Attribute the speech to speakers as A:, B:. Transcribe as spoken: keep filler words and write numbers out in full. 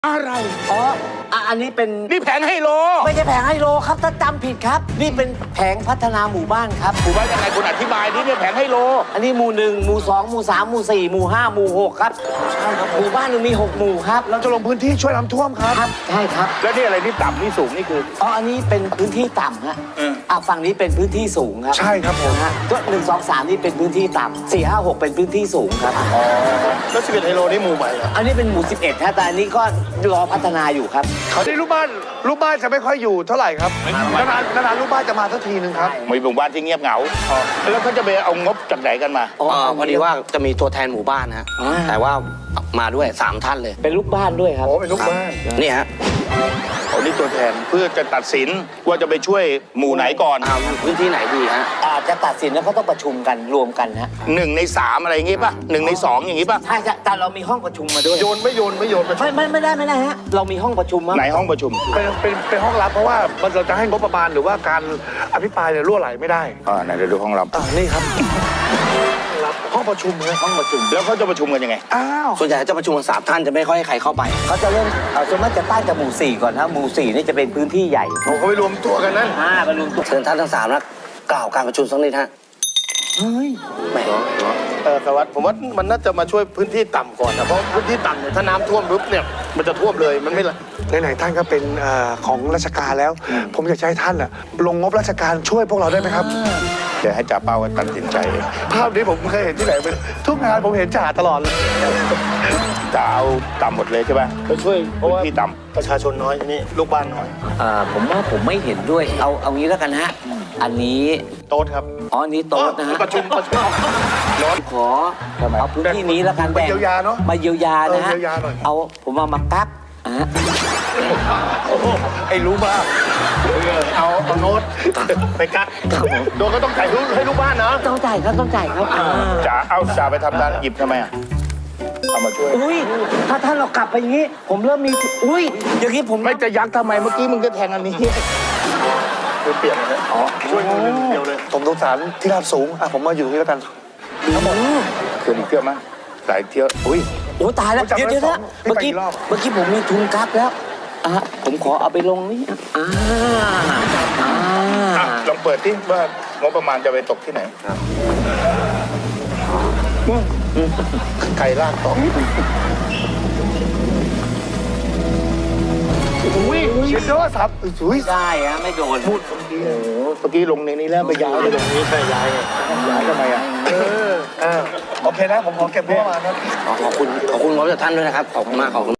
A: อะไร
B: อ๋ออ่ะอันนี้เป็น
A: นี่แผงไฮโล
B: ไม่ใช่แผงไฮโลครับถ้าจำผิดครับ นี่เป็นแผงพัฒนาหมู่บ้านครับ
A: หมู่บ้านยังไงคุณอธิบายนี่เนี่ยแผงไฮโล
B: อันนี้หมู่หนึ่งหมู่สองหมู่สามหมู่สี่หมู่ห้าหมู่หกครับใช่ครับหมู่บ้านหนึ่งมีหกหมู่ครับ
C: เราจะลงพื้นที่ช่วยน้ำท่วมครับ
B: ครับใช่ครับ
A: แล้วนี่อะไรนี่ต่ำนี่สูงนี่คือ
B: อ๋ออันนี้เป็นพื้นที่ต่ำฮะ
A: เออ
B: อ่ะฝั่งนี้เป็นพื้นที่สูงครับ
C: ใช่ครับผม
B: นะฮะก็หนึ่งสองสามนี่เป็นพื้นที่ต่ำสี่ห้าหกเป็นพื้นที่สูงครับ
C: แล้วสิบเอ็ดไฮโลนี่หมู่ใหม่เหรอ
B: อันนี้เป็นหมู่สิบเอ็ดฮะแต่อันนี้ก็รอพัฒนาอยู่ครับ
C: เขาที่ลูกบ้านลูกบ้านจะไม่ค่อยอยู่เท่าไหร่ครับนานๆนานๆลูกบ้านจะมาสักทีนึงครับ
A: มีหมู่บ้านที่เงียบเหงาแล้วเขาจะไปเอางบจากไหนกันมา
B: อ๋อ
D: เอ่อพอดีว่าจะมีตัวแทนหมู่บ้านนะฮะ
B: อ่า
D: แต่ว่ามาด้วยสามท่านเลย
B: เป็นลูกบ้านด้วยครับ
C: โอ้เป็นลูกบ้าน
D: นี่ฮะ
A: เอานี่ตัวแทนเพื่อจะตัดสินว่าจะไปช่วยหมู่ไหนก่อน
D: เอาพื้นที่ไหนดีฮะ
B: อาจจะตัดสินแล้วก็ต้องประชุมกันรวมกันฮะ
A: หนึ่งในสามอะไรอย่างงี้ป่ะหนึ่งในสองอย่างงี้ป่ะ
B: ใช่ใช่แต่เรามีห้องประชุมมาด้วย
C: โยนไม่โยนไม่โยนไป
B: ไม่ไม่ไม่ได้ไม่ได้ฮะเรามีห้องประชุมมั้ง
A: ไหนห้องประชุม
C: เป็นเป็นเป็นห้องลับเพราะว่ามันเราจะให้งบประมาณหรือว่าการอภิปรายเนี่ยรั่วไหลไม่ได้
A: อ่าไหนเดี๋ยวดูห้องรับ
C: อ่านี่ครับรับห้องประชุมนะ
B: ห้องประชุม
A: แล้วเขาจะประชุมกันยังไง
C: อ้าว
D: ส่วนใหญ่จะประชุมกันสามท่านจะไม่ค่อยให้ใครเข้าไป
B: เขาจะเริ่มเอ่อส่วนมากจะตั้งจากหมู่สี่ก่อนนะหมู่สี่นี่จะเป็นพื้นที่ใหญ่
C: เขาเขาไปรวมตัวกันนั่น
B: อ่าไปรวมตัว
D: เชิญท่านทั้งสามนะกล่าวการประชุมสักนิดฮะ
B: เฮ้ย
D: แหม
E: เออสวัสดิ์ผมว่ามันน่าจะมาช่วยพื้นที่ต่ำก่อนนะเพราะพื้นที่ต่ำเนี่ยถ้าน้ำท่วมปุ๊บเนี่ยมันจะท่วมเลยมันไม่ละ
C: ไหนๆท่านก็เป็นเอ่อของราชการแล้ว ผมอยากจะให้ท่านอะลงงบราชการช่วยพวกเราได้ไหมครับ
A: เดี๋ยวให้จ่าเป้าตัดสินใจเอง
C: ภาพนี้ผมเคยเห็นที่ไหนเป็นทุกงานผมเห็นจ่าตลอดเลย
A: จะเอาต่ำหมดเลยใช่ป่ะ
E: ไปช่วยเพราะ
A: พื้น
E: ว่า
A: ที่ต่
E: ประชาชนน้อยนี่ลูกบ้านน้อย
B: อ่าผมว่าผมไม่เห็นด้วยเอาเอางี้แล้วกันฮะอันนี้
E: โต๊ดครับ
B: อ๋ออันนี้โต๊ะนะฮะ
E: ประชุมประชุม
B: ขอเอาพื้นที่นี้แล้วกัน
C: มาเยียวยาเนอะ
B: มาเยียวยานะฮะ
C: เออเยียวยาหน่อย
B: เอาผมเอามาแป๊บอ่ะฮะ
C: ไอ้รู้มาก
E: เอาเอาโน้ตไปกัดโดนก็ต้องจ่ายให้ลูกบ้านนะ
B: ต้องจ่ายครับต้องจ่ายครับอ่า
A: ำจ่าเอาจ่าไปทำงานหยิบทำไมอ่ะเอามาช่วย
B: อุ้ยถ้าท่านเรากลับไปอย่างนี้ ผมเริ่มมีอุ้ยอย่างนี้ผม
A: ไม่จะยักทำไมเมื่อกี้มึงก็แทงอันนี้
E: คือเปลี่ยนเลยอ๋อช่วยมือหนึ่งเดียวเลย
C: ผมสงสารที่ราบสูงอ่ะผมมาอยู่ตรงนี้แล้วกัน
A: เกินอีกเที่ยวไหมหลายเที่ยวอุ้ย
B: โอ้ตายแล้ว
C: ผมจำ
B: เดี๋ยว
C: ได้
B: เดี๋ยว
C: ส
B: นะ
C: อง
B: เมื่อกี้
C: พี่ไปกี่รอบ
B: เมื่อกี้ผมมีทุนกักแล้วอ่ะผมขอเอาไปลงนี่อ่าอ่า
A: อ่ะลองเปิดที่ว่างบประมาณจะไปตกที่ไหนไก่ลากต่อ
C: อุ้ยเชียร์ด้วยครับอุ้ย
B: ได้อะไม่โดน
A: พูดเมื่อกี้โอ้โหเมื่อกี้ลงในนี้แล้วไปย้ายเลย
E: นี่ใช่ย้ายไง
A: ย้ายทำไมอ่ะ
C: เออเออโอเคนะผมขอเก็บงบประมาณครับ
D: ขอขอบคุณขอบคุณงบจากท่านด้วยนะครับ ขอบคุณมากขอบคุณ